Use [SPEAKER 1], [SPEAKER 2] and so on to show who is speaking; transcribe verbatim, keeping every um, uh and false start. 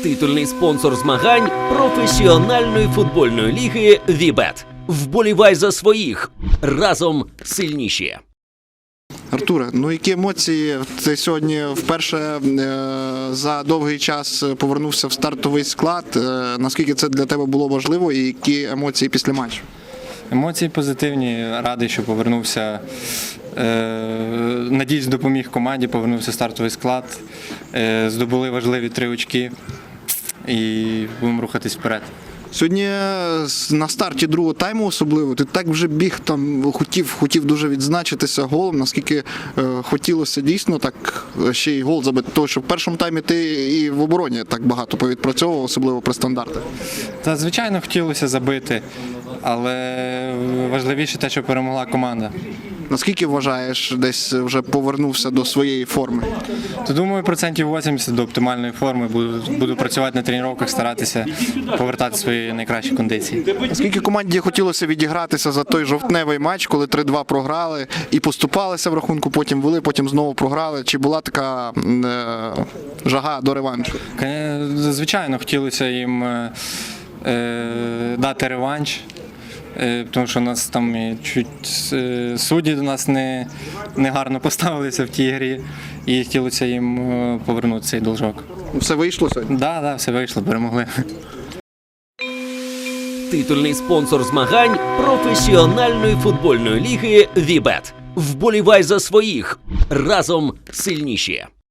[SPEAKER 1] Титульний спонсор змагань професіональної футбольної ліги Вібет. Вболівай за своїх. Разом сильніші.
[SPEAKER 2] Артуре, ну які емоції? Ти сьогодні вперше е, за довгий час повернувся в стартовий склад. Е, наскільки це для тебе було важливо і які емоції після матчу?
[SPEAKER 3] Емоції позитивні, радий, що повернувся. Е, надіюсь, допоміг команді, повернувся в стартовий склад. Е, здобули важливі три очки і будемо рухатись вперед.
[SPEAKER 2] Сьогодні на старті другого тайму особливо, ти так вже біг, там хотів, хотів дуже відзначитися голом, наскільки е, хотілося дійсно так ще й гол забити. Тому що в першому таймі ти і в обороні так багато повідпрацьовував, особливо при стандартах.
[SPEAKER 3] Та, звичайно, хотілося забити, але важливіше те, що перемогла команда.
[SPEAKER 2] Наскільки вважаєш, десь вже повернувся до своєї форми?
[SPEAKER 3] То, думаю, процентів вісімдесят до оптимальної форми. Буду, буду працювати на тренуваннях, старатися повертати свої найкращі кондиції.
[SPEAKER 2] Наскільки команді хотілося відігратися за той жовтневий матч, коли три-два програли і поступалися в рахунку, потім вели, потім знову програли? Чи була така е, жага до реваншу?
[SPEAKER 3] Звичайно, хотілося їм е, дати реванш. Тому що у нас там і чуть судді до нас не, не гарно поставилися в тій грі і хотілося їм повернути цей должок.
[SPEAKER 2] Все вийшло сьогодні?
[SPEAKER 3] Так, да, да, все вийшло, перемогли.
[SPEAKER 1] Титульний спонсор змагань професіональної футбольної ліги Вібет. Вболівай за своїх. Разом сильніші.